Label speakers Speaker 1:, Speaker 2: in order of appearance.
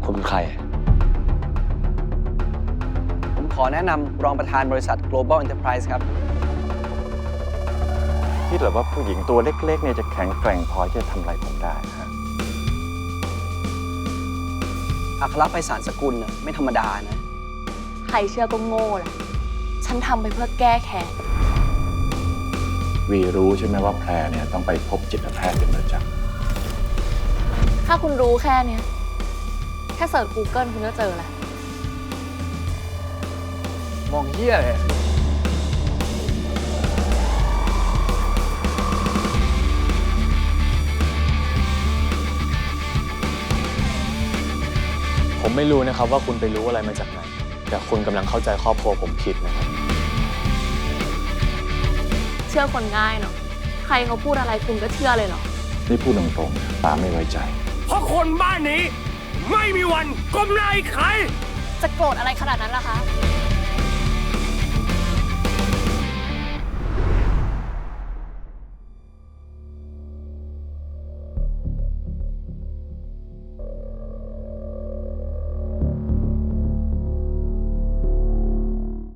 Speaker 1: คุณเป็นใคร
Speaker 2: ผมขอแนะนำรองประธานบริษัท Global Enterprise ครับ
Speaker 3: คิดเหรอว่าผู้หญิงตัวเล็กๆเนี่ยจะแข็งแกร่งพอที่จะทำอะไรผมได้ฮะ
Speaker 2: อัครไพศาลสกุลน่ะไม่ธรรมดานะ
Speaker 4: ใครเชื่อก็โง่แหละ ฉันทำไปเพื่อแก้แค้น
Speaker 3: วีรู้ใช่ไหมว่าแพรเนี่ยต้องไปพบจิตแพทย์เป็นประจำ
Speaker 4: ถ้าคุณรู้แค่เนี้ยแค่เสิร์ช Google คุณก็เจอแล้ว
Speaker 2: มองเหี้ยเลย
Speaker 1: ผมไม่รู้นะครับว่าคุณไปรู้อะไรมาจากไหน แต่คุณกำลังเข้าใจครอบครัวผมผิดนะครับ
Speaker 4: เชื่อคนง่ายเนาะ ใครเขาพูดอะไรคุณก็เชื่อเลยเหรอ
Speaker 3: นี่พูดตรงๆป้าไม่ไว้ใจ
Speaker 5: เพราะคนบ้านนี้ไม่มีวันก้มหน้าให้ใคร
Speaker 4: จะโกรธอะไรขนาดนั้นล่ะคะ